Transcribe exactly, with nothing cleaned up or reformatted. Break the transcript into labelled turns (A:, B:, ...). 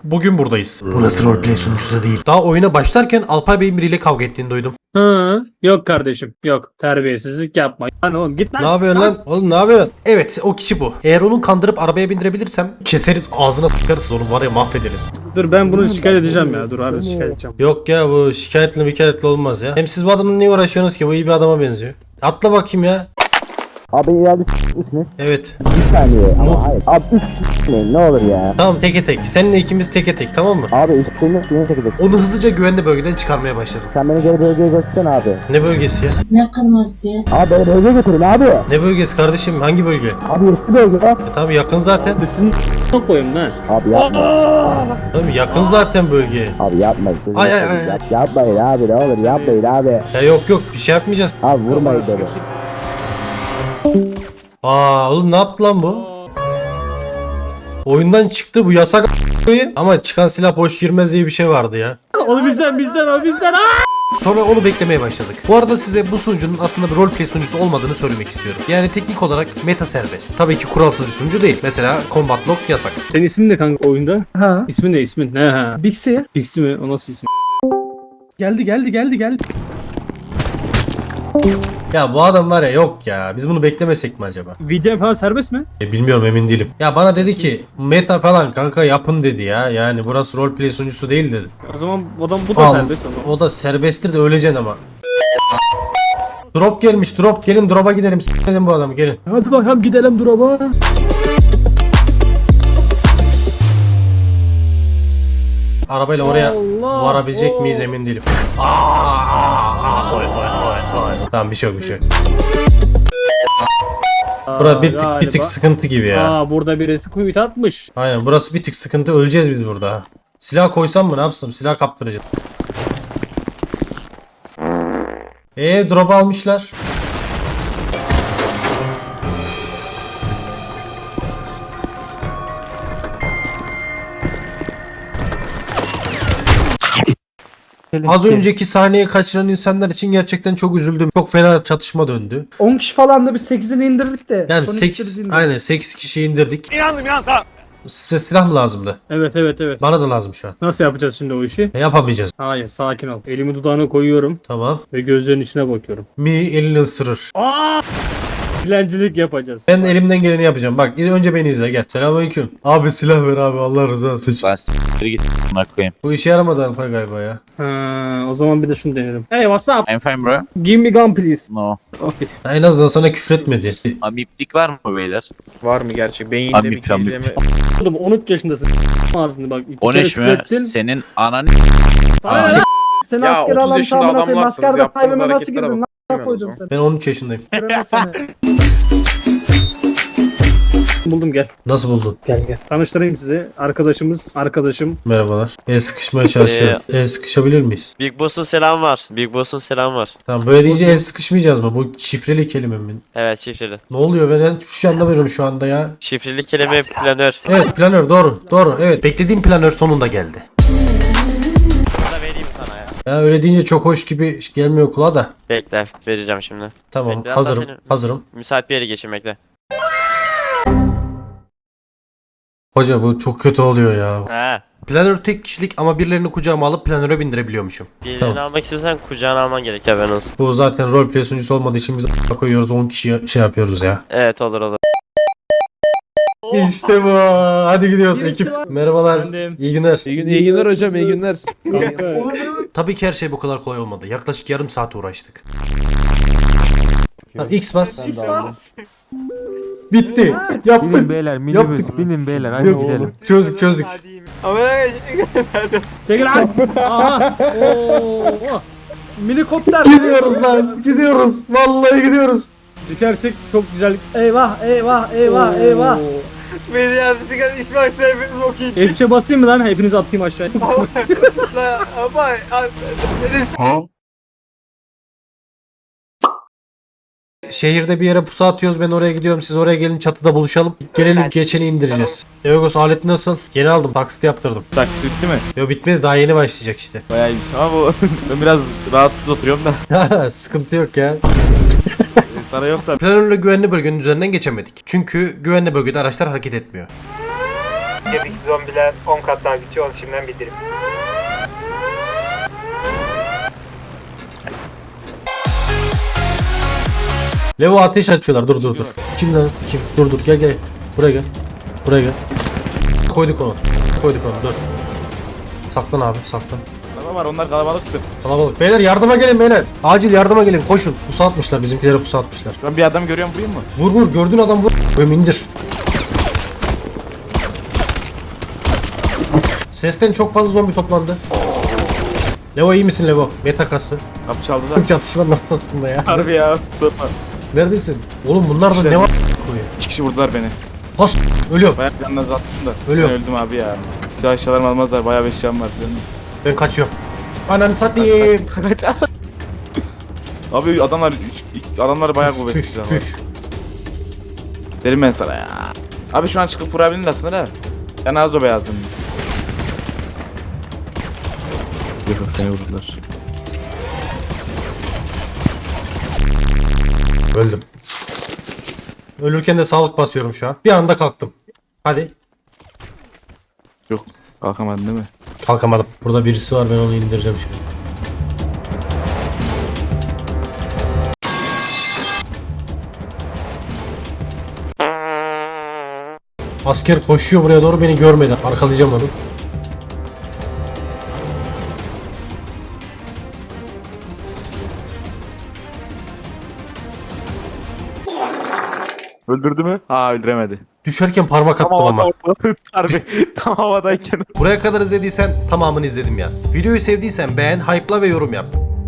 A: bugün buradayız. Burası roleplay sunucusu değil. Daha oyuna başlarken Alpay Bey'in biriyle kavga ettiğini duydum.
B: Hı, yok kardeşim yok, terbiyesizlik yapma. Lan oğlum git lan.
A: Ne yapıyorsun lan? Oğlum ne yapıyorsun? Evet, o kişi bu. Eğer onu kandırıp arabaya bindirebilirsem keseriz, ağzına sıkarız, onu var ya mahvederiz.
B: Dur ben bunu şikayet edeceğim ya, dur harbi şikayet edeceğim.
A: Yok ya, bu şikayetli mikayetle olmaz ya. Hem siz bu adamla niye uğraşıyorsunuz ki? Bu iyi bir adama benziyor. Atla bakayım ya.
C: Abi ileride s*** misiniz?
A: Evet.
C: Bir saniye
A: Mu-
C: ama hayır. Abi üç s***meyin ne olur ya.
A: Tamam, teke tek. Seninle ikimiz teke tek, tamam mı?
C: Abi üç s***meyin yok yine çekecek.
A: Onu hızlıca güvenli bölgeden çıkarmaya başladım.
C: Sen beni geri bölgeye götürsene abi.
A: Ne bölgesi ya?
D: Ne kırması ya?
C: Abi beni bölgeye götürün abi.
A: Ne bölgesi kardeşim? Hangi bölge?
C: Abi eski bölge bak.
A: E tamam, yakın zaten.
B: Üstünü çok koyayım lan.
C: Abi yapma.
A: Tamam, yakın zaten bölge.
C: Abi yapma. Gözünü
A: Ay, ay,
C: seveyim.
A: ay.
C: Yap, yapmayın abi ne olur yapmayın abi.
A: Ya yok yok, bir şey yapmayacağız.
C: Abi vurmayın beni.
A: Aa oğlum, ne yaptı lan bu? Oyundan çıktı, bu yasak ama çıkan silah boş girmez diye bir şey vardı ya.
B: Onu bizden bizden o bizden. Aa!
A: Sonra onu beklemeye başladık. Bu arada size bu sunucunun aslında bir roleplay sunucusu olmadığını söylemek istiyorum. Yani teknik olarak meta serbest. Tabii ki kuralsız bir sunucu değil. Mesela Combat Lock yasak.
B: Senin ismin ne kanka oyunda?
E: Ha.
B: İsmin ne ismin? Ne ha?
E: Bixi.
B: Pixi mi? O nasıl isim?
E: Geldi geldi geldi geldi.
A: Ya bu adam var ya, yok ya. Biz bunu beklemesek mi acaba?
B: V D M falan serbest mi?
A: E, bilmiyorum, emin değilim. Ya bana dedi ki meta falan kanka yapın dedi ya. Yani burası roleplay sunucusu değil dedi.
B: O zaman adam bu da
A: Al,
B: serbest o zaman.
A: o da serbesttir de öleceksin ama. Drop gelmiş, drop, gelin drop'a gidelim. S**ledim bu adamı, gelin.
E: Hadi bakalım gidelim drop'a.
A: Arabayla oraya
B: Allah!
A: varabilecek miyiz
B: Oo!
A: emin değilim. Aa, aa, aa, oy, oy, oy, oy. Tamam, bir şey yok, bir şey yok. Burası bir, tık- bir tık sıkıntı gibi ya.
B: Aa burada birisi kuyut atmış.
A: Aynen, burası bir tık sıkıntı, öleceğiz biz burada. Silah koysam mı, ne yapsam, silah kaptıracağım. Eee drop almışlar. Az önceki sahneyi kaçıran insanlar için gerçekten çok üzüldüm. Çok fena çatışma döndü.
E: on kişi falan da bir sekizini indirdik de.
A: Yani
E: son
A: sekiz,
E: ikisini indirdik.
A: aynen sekiz kişi indirdik. İnandım ya, tamam. Size silah mı lazımdı?
B: Evet evet evet.
A: Bana da lazım şu an.
B: Nasıl yapacağız şimdi o işi?
A: E, yapamayacağız.
B: Hayır sakin ol. Elimi dudağına koyuyorum
A: Tamam.
B: ve gözlerinin içine bakıyorum.
A: Mi elini ısırır.
B: Aa! Dilencilik yapacağız.
A: Ben de elimden geleni yapacağım. Bak önce beni izle, gel. Selamünaleyküm. Abi silah ver abi, Allah rızası için.
F: Lan s**tir git a**ına koyayım.
A: Bu işe yaramadı Alpay galiba ya.
B: Ha, o zaman bir de şunu deneyelim. Hey what's up?
F: I'm fine bro.
B: Give me gun please.
F: No.
B: Okay.
A: Ha, en azından sana küfretmedi. E,
F: Amiplik var mı beyler?
G: Var mı gerçek? Beyinde
F: Amip,
G: bir keyleme...
B: Oğlum on üç yaşındasın. Ağzını bak. iki
F: on üç
B: kere
F: mü?
B: küfrettin.
F: Senin ananı
B: Sana
F: Aa.
B: ne lan?
E: Seni
G: Ya,
E: askere
G: otuz
E: alan
G: yaşında
E: tamına koyayım.
G: adamlarsınız,
E: Askerde
G: yaptığınız
E: kaybeme nasıl
G: hareketlere
E: girdin?
G: bak.
E: Lan koydum seni.
A: Ben on üç yaşındayım.
E: Göremez seni.
B: Buldum gel.
A: Nasıl buldun?
B: Gel gel. Tanıştırayım sizi. Arkadaşımız, arkadaşım.
A: Merhabalar. El sıkışmaya çalışıyorum. El sıkışabilir miyiz?
H: Big Boss'un selam var. Big Boss'un selam var.
A: Tamam, böyle deyince el sıkışmayacağız mı? Bu şifreli kelime mi?
H: Evet şifreli.
A: Ne oluyor, ben hiçbir şey anlamıyorum şu anda ya.
H: Şifreli kelime planör.
A: Evet, planör, doğru doğru, evet. Beklediğim planör sonunda geldi.
H: Sana vereyim sana ya.
A: Ya öyle deyince çok hoş gibi gelmiyor kulağa da.
H: Bekle vereceğim şimdi.
A: Tamam,
H: Ben biraz
A: hazırım
H: daha seni-
A: hazırım.
H: Müsait bir yere geçin bekle.
A: Hoca bu çok kötü oluyor ya.
H: He.
A: Planör tek kişilik ama birilerini kucağıma alıp planöre bindirebiliyormuşum.
H: Birini
A: Tamam.
H: almak istiyorsan kucağına alman gerek haberin olsun.
A: Bu zaten roleplay sunucusu olmadığı için biz a** koyuyoruz, on kişiye şey yapıyoruz ya.
H: Evet olur olur.
A: İşte bu. Hadi gidiyoruz
E: Birisi
A: ekip.
E: var.
A: Merhabalar.
B: Efendim?
A: İyi günler.
I: İyi, gün, iyi günler hocam, iyi günler.
B: Kanka.
A: Tabii ki her şey bu kadar kolay olmadı. Yaklaşık yarım saat uğraştık. Ha, X bas. Bitti. Yaptık.
J: Binin beyler, minibüs,
A: Yaptık.
J: binin beyler, hadi
A: Yok,
J: gidelim.
A: Çözdük çözdük.
B: Çekil lan. Aha. Oo.
E: Minikopter.
A: Gidiyoruz lan. Gidiyoruz. Vallahi gidiyoruz.
B: Düşersek çok güzel.
E: Eyvah eyvah eyvah eyvah.
G: Beni yazdık Xbox'ta hepimiz okey.
B: F üçe basayım mı lan? Hepinizi atayım aşağıya.
G: Ama...
A: Şehirde bir yere pusu atıyoruz. Ben oraya gidiyorum. Siz oraya gelin, çatıda buluşalım. Gelelim, geçeni indireceğiz. Eogos alet nasıl? Yeni aldım. Taksit yaptırdım.
I: Taksi bitti mi?
A: Yo, bitmedi. Daha yeni başlayacak işte.
I: Bayağı iyiymiş ama bu ben biraz rahatsız oturuyorum da
A: Sıkıntı yok ya.
I: para yok da.
A: Planörle güvenli bölgenin üzerinden geçemedik. Çünkü güvenli bölgede araçlar hareket etmiyor.
D: Gedik zombiler on kat daha güçlü onu şimdiden bildirim.
A: Levo ateş açıyorlar. Dur dur dur. Kim lan? Kim? Dur dur gel gel. Buraya gel. Buraya gel. Koyduk onu. Koyduk onu. Dur. Saklan abi saklan.
I: Tamam var onlar kalabalıktır.
A: Kalabalık. Beyler yardıma gelin beyler. Acil yardıma gelin. Koşun. Pusu atmışlar. Bizimkilere pusu atmışlar.
I: Şu an bir adam görüyorum vurayım mı?
A: Vur vur. Gördüğün adam vur. Öm indir. Sesten çok fazla zombi toplandı. Levo iyi misin Levo? Meta kası.
I: Kapı çaldılar.
A: Çatışmanın ortasında ya.
I: Harbi ya. Sorma.
A: Neredesin? Oğlum bunlarda ne var?
I: İki kişi vurdular beni.
A: Has. Ölüyorum.
I: Bayağı canına attım da.
A: Ölüyorum.
I: Ben öldüm abi ya. Şu aşağılarımı almazlar. Bayağı bir eşyam var. Biliyor musun?
A: Ben kaçıyorum. Ananı satayım.
I: Kaç kaç. Abi adamlar üç, iki- adamlar bayağı kuvvetli.
A: Çüş
I: silahlar.
A: çüş.
I: Derim ben sana ya. Abi şu an çıkıp vurabilirsin aslında ha. Ben az o beyazdım. Yok yok seni vurdular.
A: Öldüm. Ölürken de sağlık basıyorum şu an. Bir anda kalktım. Hadi.
I: Yok kalkamadın değil mi?
A: Kalkamadım. Burada birisi var ben onu indireceğim şimdi. Asker koşuyor buraya doğru beni görmedi. Arkalayacağım onu.
I: Öldürdü mü? Aa öldüremedi.
A: Düşerken parmak attım ama.
I: Harbi tam havadayken.
A: Buraya kadar izlediysen tamamını izledim yaz. Videoyu sevdiysen beğen, hype'la ve yorum yap.